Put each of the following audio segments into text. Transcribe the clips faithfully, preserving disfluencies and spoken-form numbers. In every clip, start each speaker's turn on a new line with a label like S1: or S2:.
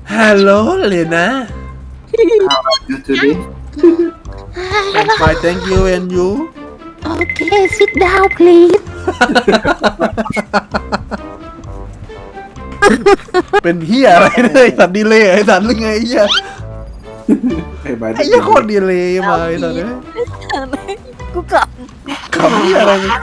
S1: Hello, Lena.
S2: How are you today?
S1: I'm fine, thank you, and you?
S3: Okay, sit down, please.
S1: เป็นเฮียอะไรเนี่ยไอ้สัตว์ดีเลยไอ้สัตว์หรือไงไอ้เฮีย
S2: Hey, buddy.
S1: ไอ้เฮียโคตรดีเลยมาไอ้สัตว์เนี่ย
S3: กูกลับ
S1: ขำเฮียอะไรมึง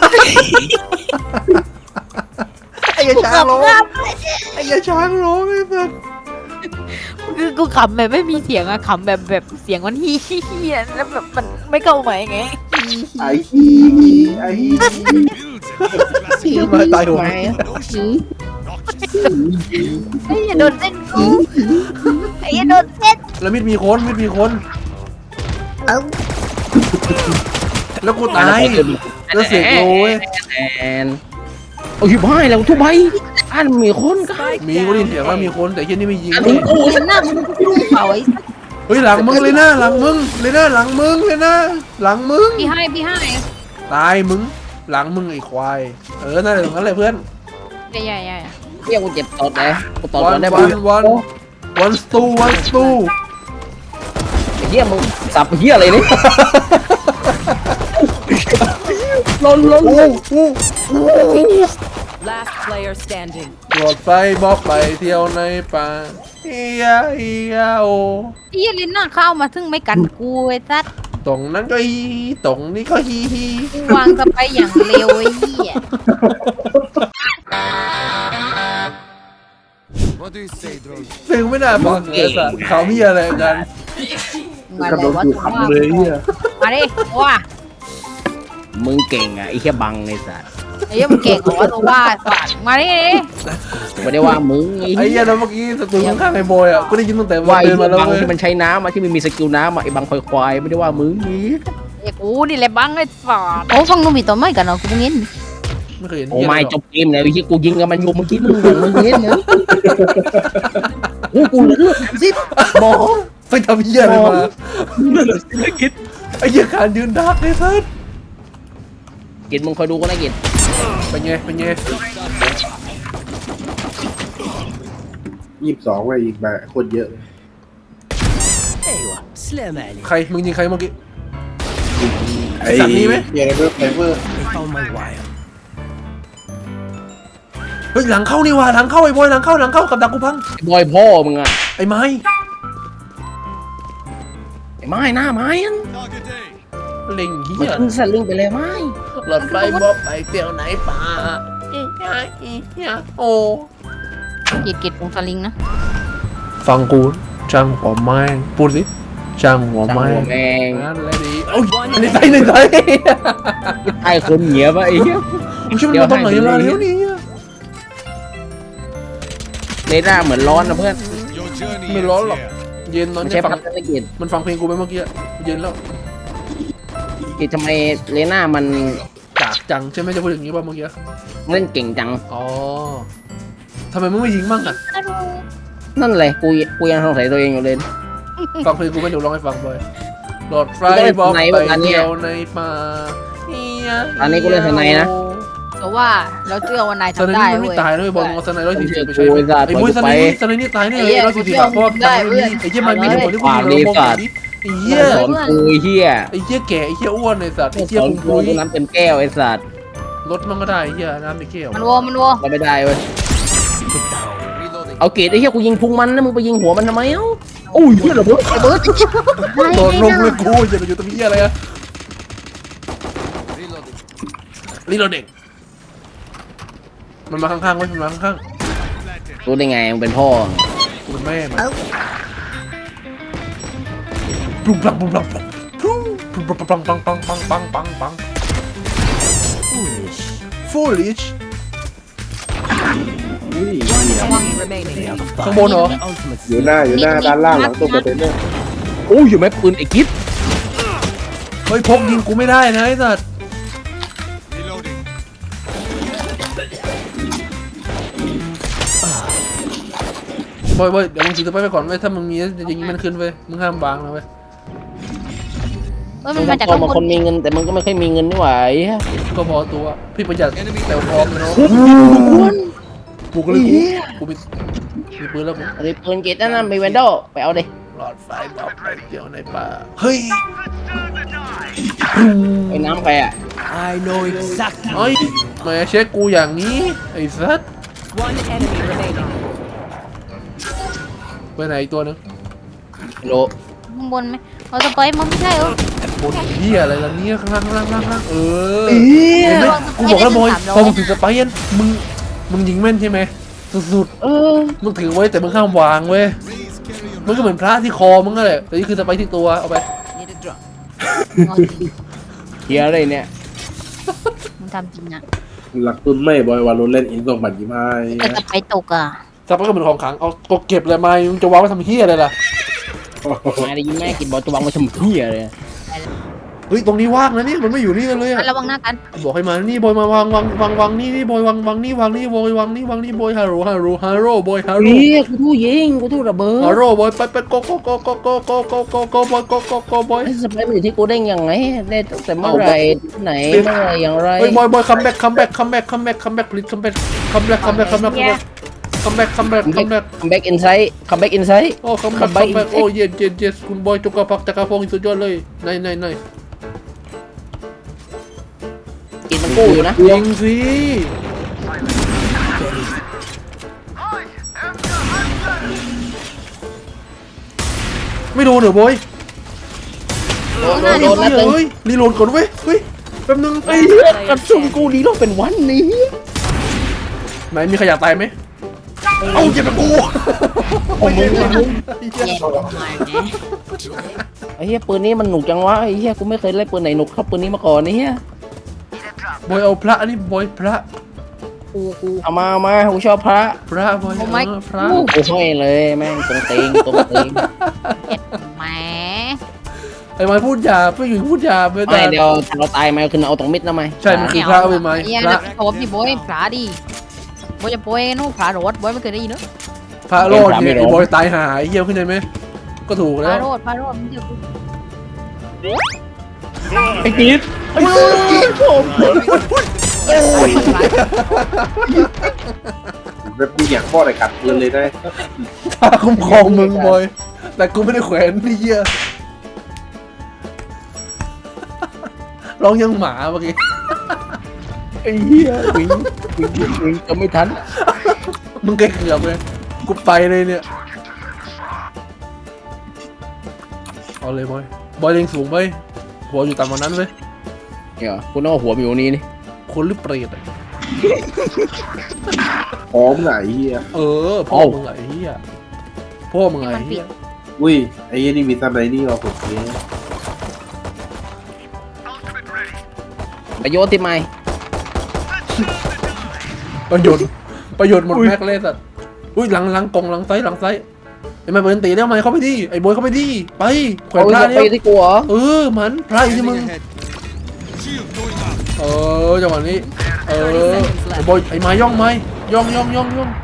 S1: ไอ้เหี้ยช้างร้องไอ้เหี้ยช้างร้องไอ้สัตว์
S3: คือกูขำแบบไม่มีเสียงอะขำแบบแบบเสียงมันฮีฮีฮีแล้วแบบมันไม่เข้าไหมไง
S2: I hee, I hee.
S1: เฮียมาตายหัว
S3: ไอ้ยโดนเส้นกูไอ้ยโดนเส้น
S1: แล้วมิดมีคนมิดมีคน
S3: เอ้า
S1: แล้วกูตายแล้วเสียงโอ้ย
S4: แอนโอ้ยบ้าแล้วทุบใบอันมีคนกัน
S1: มีกูได้ยินเสียงว่ามีคนแต่เฮียนี่ไม่ยิง
S4: อัน
S1: เล
S4: นี้
S1: ย
S4: กู
S3: หน้ามึงรุ่งเผาไอ้
S1: เฮ้ยหลังมึงเลยนะหลังมึงเลยนะหลังมึงเลยนะหลังมึง
S3: พี่ให้พี่ให้
S1: ตายมึงหลังมึงไอ้ควายเออนั่นแหละตรงนั้นเลยเพื่อน
S3: ใหญ่ใหญ่ใหญ่
S4: เรียกกูเจ็บตอดเลยกูตอด
S1: วั
S4: ก่อน นได้
S1: วั
S4: ปะ
S1: นวันวันสตูวันสตู
S4: ไอ้เหี้ยมึงสับเหี้ยอะไรนี่ลนลน
S1: โอ้โห
S5: Last player standing.
S1: รถไฟบอกไปเที่ยวในป่าเฮียเฮียโอ
S3: พี่ลินน่าเข้ามาถึงไม่กันกูไอ้สัส
S1: ตรงนั้นก็ฮีตรงนี้ก็ฮีฮี
S3: กูวางสไปอย่างเร็วไอ้เหี้ย
S6: What do you say, Drogo?
S1: เพลงไม่น่าฟังเลยสัตว์เขามีอะไรกัน
S3: มา
S2: กระ
S3: บ
S2: โด
S3: อก
S2: ด
S3: ว่า
S2: ถูก
S3: ถูก
S2: คำเลยเนี่ย
S3: มาดิว่า
S4: มึงเก่งอ่ะไอ้เหี้ยบังในสัตว์
S3: ไอ้เหี้ยมึงเก่งเหรอวะตัวว่าสัตว์มาดิ
S4: ไม่ได้ว่ามึงไอ้
S1: ไอ้
S4: เหี้
S1: เหี้
S4: ย
S1: ยนะเมื่อกี้สตูข้างๆไอ้บอยอ่ะกูได้ยินตั้งแต่
S4: ว่า
S1: ว่า
S4: ไอ้
S1: เดินมาแล้ว
S4: บัง
S1: เว้ย
S4: ที่มันใช้น้ำอะที่มันมีสกิลน้ำอะไอ้บังควายควายไม่ได้ว่ามึงนี่
S3: ไอ้กูนี่แหละบังไอ้สัตว์โอ้ฟังนุ่มอีตัวไม่กันเนาะกูเพิ่งเห็น
S1: ไม่เคยเห็น
S4: โอ้
S1: เหี้ย
S4: ไม่
S1: เลยหร
S4: จ
S1: อก
S4: บเกมแล้วไอ้เหี้ยกูยิงกับมันอยู่เมื่อกี้มึงมึงเห็นเนอะโอ้กูเหลือเลือดสิบหมอ
S1: ไปทำเหี้ยอะไรมาไอ้เหี้ยการยืนดักเลยสัตว์
S4: กินมึงคอยดูก็ได้กิน
S1: เป็นไงเป็นไง
S2: ยี่สิบสองเว้ยอีกแบบโคตรเยอะเลย
S5: ايوه سلام عليك.
S1: ใครมึงยิงใครเมื่อกี้
S2: ไอ้
S1: สัตว์มีไหม
S2: เยเวอร์เฟเวอร์
S5: I found my wire.
S1: เฮ้ยหลังเข้านี่ว่ะหลังเข้าไอ้บอยหลังเข้าหลังเข้ากับดักกูพัง
S4: ไอ้บอยพ่อมึงอะ
S1: ไอ้ไม้
S4: ไอ้ไม้หน้าไม้อัน
S1: เล็งเหี้
S4: มัน
S1: ย
S4: ขึ้นสลิงไปเลยไม้
S1: รถไฟบอกไปเที่ยวไหนป่าอีเหี้ยอีเหี้ยโอ้
S3: กีดกีดวงสลิงนะ
S1: ฟังกูจังหัวไม้พูดสิจังหัว
S4: จัง
S1: ไม้
S4: หัวแมง
S1: นั่นแหละดิโอ้ยในใจในใจ
S4: ไอ้คนเหนียวปะไอ้เหี้ย
S1: มึงช่วยมันมาตรงไหนมาเร็วนี่
S4: ในหน้าเหมือนร้อนนะเพื่อน
S6: Your journey
S1: ไม่
S6: ends
S1: ร้อนหรอก
S6: here.
S1: เย็นตอน
S4: ไม่
S1: นี้
S4: ใช่
S1: ฟั
S4: พั
S1: ง
S4: ฒนกิจ
S1: มันฟังเพลงกูไปเมื่อกี้เย็นแล้ว
S4: กิจทำไมเลน่ามัน
S1: จากจังใช่ไหมจะพูดอย่างนี้ป่ะเมื่อกี้
S4: เล่นเก่งจัง
S1: อ๋อทำไมมึงไม่ยิงบ้างอ่ะ
S4: นั่นเลยกูกูยังสงสัยตัวเองอยู่เลย
S1: ฟังเพลงกูไม่เดี๋ยวร้องให้ฟังบ่อยรถไฟ
S4: กูเล่น
S1: บอก
S4: สไน
S1: ไป
S4: แบบนั้นเนี่ย
S1: เที่ยวในป่าเฮีย
S4: อันนี้กูเล่นสไนนะ
S3: แต่ว่าเราเชื่อว่านาย
S1: สไน
S3: ทำได้
S1: นี่มันไม่
S3: เว้ย
S1: ตายด้วยบอลเอาสไนร้อยสี่สิบไปใช้
S4: โอ้ยสัตว์
S1: ไอ้มุ้ย
S4: ปล่
S1: ส
S4: อย
S1: ไน
S4: กูไป
S1: นี่สไนนี่ตายแน่
S3: ไอ้
S1: เล
S3: เหี้
S1: ย
S3: ย
S1: ร้อยสี่สิบอะเพราะว่า
S3: ได้
S1: ตาย
S3: เว้ย
S1: ไอ้เหี้ยมันมีเหตุผลที่กู
S4: ความ
S1: ยิง
S4: ดี
S1: เรามอง
S4: สัตว์
S1: ดิไอ้เหี้ย
S4: สอนกูไอ้เหี้ย
S1: ไอ้เหี้ยแก่ไอ้เหี้ยอ้วนไอ้สัตว์ไอ้เหี้ย
S4: สอน
S1: พุง
S4: กู
S1: พุย
S4: กูน้ำเต็มแก้วไอ้สัตว์
S1: รถมันก็ได้ไอ้เหี้ยน้ำในแก้ว
S3: มันโวมันโว
S4: เราไม่ได้เว้ย
S6: Reloading.
S4: เอาเกรดไอ้เหี้ยกูยิงพุงมันนะมึงไปยิงหัวมันทำไมเอ้าโอ้ยเหี้ยระเบิดระเบิด
S1: โดดลงเลยกูอย่าไปอยู่ตรงนี้อะไรอะ
S6: Reloading.
S1: นี่เราเด็กมันมาข้างๆไว้มันมาข้าง
S4: รู้ได้ไงมึงเป็นพ่อ
S1: ๆกูเป็นแม่มันปุ๊บปังปุ๊บปังปุ๊บปุ๊บปังปังปังปังปังปังปัง
S5: Foolish.
S1: foolish
S2: อุ้ย
S5: Enemy remaining.
S1: ข้างบนเหรอ
S5: The ultimate
S2: อยู่หน้าอยู่หน้าด้านล่างหลังตัวคอนเทนเนอร์
S4: โอ้ยอยู่ไหมปืนไอ้กิ๊ด
S1: เฮ้ยพกยิงกูไม่ได้นะไอ้สัตว์
S6: Reloading.
S1: บอยบอยเดี๋ยวมึงถือตัวไปไปก่อนเว้ยถ้ามึงมีจะยิงมันขึ้นเว้ยมึงห้ามวางนะเว้ย
S3: เฮ้ย
S4: มึ
S3: มัน
S4: ง
S3: มาจาก
S4: โต
S3: ข้าง
S4: มา
S3: บ
S4: คน
S3: น
S4: มีเงินแต่มึงก็ไม่ค่อยมีเงินนี่หว่าไอ้เหี้ย
S1: ก็พอตัวพี่ประหยัดแต่พร้อมนะเนาะกูก็เลยกูกูมีมีปืนแล้วมึง
S4: อันนี้ปืนเกตนั่นน่ะมีเวนโดไปเอาดิ
S1: หลอดไฟบอกไปเดี๋ยวในป่าเฮ้ย
S4: ไอ้น้ำไปอ่ะ
S5: I know exactly.
S1: เฮ้ยมาเช็คกูอย่างนี้ไอ้สัส
S5: One enemy remaining.
S1: ไปไหนอีกตัวนึง
S4: โล
S3: ข้างบนไหมเอาสไปร์มันไม่ใช่เหรอบ
S1: นเหี้ยอะไรล่ะเนี่ยข้างล่างข้างล่างข้างล่างเออ
S4: เฮีย
S1: เห็นไหมกูบอกแล้วบอยพอมึงถึงสไปเอ็นมึงมึงยิงแม่นใช่ไหมสุด
S4: เออ
S1: ๆมึงถือไว้แต่มึงห้ามวางเว้ย
S6: Please carry your
S1: มันก็เหมือนพระที่คอมึงก็แหละแต่นี่คือสไปที่ตัวเอาไป
S5: Need a drop.
S4: เฮียอะไรเนี่ย
S3: มึงทำจริงอ่ะ
S2: หลักตุนไม่บอยวาโลเล่นอินส่งบัตรยี่ห้า
S3: แต่สไปร์ตกอ่ะ
S1: สไปก็เหมือนของขลังเอาก็เก็บเลยไหมมึงจะวางไว้ทำเหี้ยอะไรล่ะ
S4: มาได้ยินแม่กินบอลจะวางไว้ทำเฮียเลย
S1: เฮ้ยตรงนี้ว่างนะเนี่ยมันไม่อยู่นี่กันเลยอะ
S3: ระวังหน้ากัน
S1: บอกให้มานี่บอยมาวางวางวางวางนี่นี่บอยวางวางนี่วางนี่บอยวางนี่วางนี่บอยฮาโร่ฮาโร่ฮาโร่บอยฮาโร่
S4: เฮียกูทู่ยิงกูทู่ระเบิด
S1: ฮาโร่บอยไปไปโกโกโกโกโกโกโกโกโกโกบอยโกโกโกบอย
S4: ไอ้สไปร์มันอยู่ที่กูได้ยังไงได้ตั้งแต่เมื่อไหร่ที่ไหนเมื่อไหร่อย่างไร
S1: เฮ้ยบอยบอยคัมแบ็กคัมแบ็กคัมแบ็กคัมแบ็กคัมแบ็กพลิสคัมแบ็กคัมแบ็กคัมแบ็กคัมแบ็กคัมแบ็กคัมแบ็กคัมแบ็ก
S4: คัมแบ็กอินไซด์คัมแบ็กอินไซด์
S1: โอ้คัมแบ็กคัมแบ็กโอ้เย็นเย็นเย็นคุณบอยจุกกระพักจักรพงศ์สุดยอดเลยไหนไหนไหน
S4: กินมันกู้อยู่นะ
S1: ยิงสิไม่โดนเหรอบอย
S4: โดนโดนโดนนัดนึง
S1: เฮ้ยรีโหลดก่อนเว้ยเฮ้ยแป๊บนึงไอ้
S4: ไอ้เหี้ยกระสุนกูดีโลเป็นวันนี้
S1: ไหนมีใครอยากตายไหมเอาเก็บไปกู
S4: โอ้มึงมึง
S3: แย่ลงมาไง
S4: ไอ้เหี้ยปืนนี้มันหนุกจังวะไอ้เหี้ยกูไม่เคยเล่นปืนไหนหนุกเท่าปืนนี้มาก่อนไอ้เหี้ย
S1: บอยเอาพระนี่บอยพระ
S3: กูกู
S4: เอามาเอามากูชอบพระ
S1: พระบอย
S3: โอ้ไม่
S1: เออพระ
S4: กูห้อยเลยแม่งตรงเตงตรงเตง
S3: แหม
S1: ไอ้ไม้พูดหยาบไม่อยู่พูดหยาบไม่
S4: ไม่
S1: ได้
S4: เดี๋ยวเราตายมาคือเอาตรงมิดนะไหม
S1: ใช่มันคือพระเอาไปไหม
S3: เฮีย
S1: พ
S3: นะ
S1: ระ
S3: โฉบดิโบยพระดิโบยจะโบยนู่นพระโรดโบยไม่เคยได้ยินเนอะ
S1: พระโลดเนี่ยไอ้บอยตายหายไอ้เหี้ยเข้าใจไหมก็ถูก
S3: พ
S1: แล้
S3: ระ
S1: ว
S3: โรดพระโรดมึงจะกู
S4: ไอ้กีดไอ้กีดผม
S2: แบบมีอย่างพ่ออะไรกัดปืนเลยได้
S1: พระคุ้มครองมึงบอยแต่กูไม่ได้แขวนนี่เหี้ยร้องยังหมาเมื่อกี้
S4: ไอ้เหี้ยวิ่งวิ่งวิ่งจะไม่ทัน
S1: มึงใกล้เกือบเลยกูไปเลยเนี่ยเอาเลยบอยบอยเล็งสูงไปหัวอยู่ต่ำกว่านั้นเว้ย
S4: เดี๋ยวกูนึกว่าหัวมีอยู่นี่นี่
S1: คนหรือเปรตอะ
S2: พร้อมไหนเฮีย
S1: เออพ่อมึงไงเฮียพ่อมึงไงเฮีย
S2: อุ้ยไอ้เหี้ยนี่มีทำไรนี่วะผมเนี่ย
S4: ประโยชน์ที่ไม่
S1: ประโยชน์ประโยชน์หมดแม็กเลยสัตว์อุ้ยหลังหลังกองหลังไซส์หลังไซส์ไอ้มาเปิดตีแล้วไหมเข้าไปดิไอ้บอยเข้าไปดิไปแขวนพระ
S4: เอา
S1: เนี่
S4: ไป
S1: ย
S4: ที่กูเหรอ
S1: เออมันพระอยู่ที่มึง
S6: Scanning ahead. Shield going up.
S1: เออจังหวะนี้เออไอ้บอยไอ้ไม้ย่องไม้ย่องย่องย่องย่อง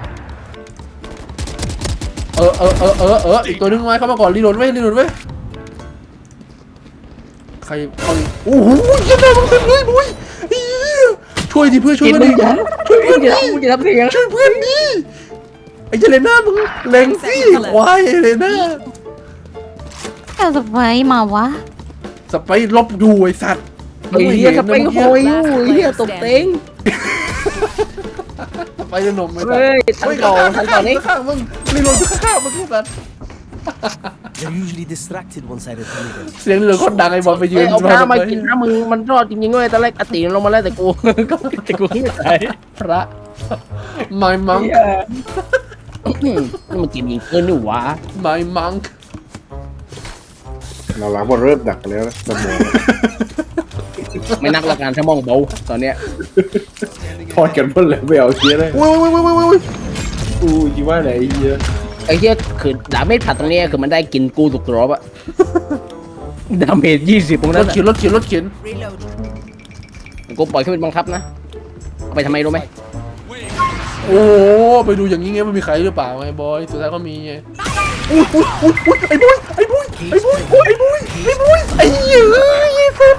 S1: เออเออเออเออเอออีกตัวนึงไม้เข้ามาก่อนรีโหลดไว้รีโหลดไว้ใครเอาดิโอ้โหเยี่ยมเลยมึงเต็มเลยบอยเฮียช่วยดิเพื่อนช่วย
S4: กิน
S1: เพื่อน
S4: มึง
S1: ดิ
S4: อย่าช่วยมึงอย่ามึงอย่าทำเสียง
S1: ช่วยเพื่อนดิไอ้เจเลน่ามึงเล็งสิควายเจเลน่า
S3: เอาสไปร์มาวะ
S1: สไปร์ลบอยู่ไอ้สัตว์
S4: ไอ้เหี้ยจะไปโหยอยู่ไอ้เหี้ยตกเต็ง
S1: สไปร์จะหนมไอ้สัต
S4: เฮ้
S1: ว์
S4: ยทันต่อทันต่อนี้
S1: ข้างๆมึงรีโหลดอยู่ข้างๆมึงไอ้สัตว์
S5: They're usually distracted once I retrieve them.
S1: เสียงเหลือคนดังไอ้บอลไปยื
S4: เฮ้ย
S1: น
S4: เอาผ้ามากินนะมึงมันรอดจริงๆเว้ยตอนแรกอติลงมาแล้วแต่กูก็แต่กูไม่ตาย
S1: พระไม่มัง
S4: นี่มันกินยิงเกินนี่หวะ
S1: ไม่มัง
S2: เราหลังมันเริ่มดักกันแล้วนะสมอง
S4: ไม่นักละกันถ้ามองเบาตอนเนี้ย
S2: ทอดกันหมดเลยไม่เอาเชียร์เลย
S1: อุ้ยอุ้ยอุ้ยอุ้ยอุ้ย
S2: อู้ยี่ว่าไหนไอ้เฮีย
S4: ไอ้เหี้ยคือดาเมจผัดตรงเนี้ยคือมันได้กินกูถูกกรอบอะดาเมจยี่สิบตรง
S1: ร
S4: นั้
S1: ถ
S4: น
S1: เข็นรถเข็นรถเข็น
S5: Reload.
S4: กูปล่อยขึ้นเป็นบังคับนะเอาไปทำไมรู้ไหม
S1: โอ้โหไปดูอย่างนี้ไงมันมีใครหรือเปล่าไอ้บอยสุดท้ายก็มีไงอุ้ยอุ้ยอุ้ยอุ้ยไอ้บอยไอ้บอยไอ้บอยไอ้บอยไอ้บอยไอ้เหี้ยไอ้สัตว์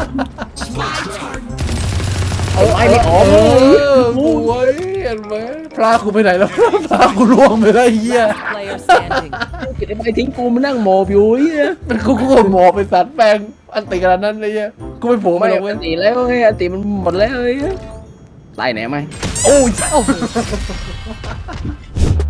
S4: เอาไอ้ไม่ออก
S1: เออโอ้ยเห็นไหมพลากูไปไหนแล้วพลากูล่วงไปแล้วไอ้เหี้ย
S7: Player standing.
S4: เกิดอะไรทิ้งกูมานั่งหมอบอยู่ไอ้เหี้ย
S1: มันกูกูหมอไปสัตว์แปลงอันติขนาดนั้นเลยเหี้ยกูไม่โผล่
S4: ไม่
S1: มาหรอกเว้
S4: อั
S1: ย
S4: นตีแล้วไงอันตีมันหมดแล้วไอ้เหี้ยตายไหนไหม
S1: โอ้ย
S3: โอ้โห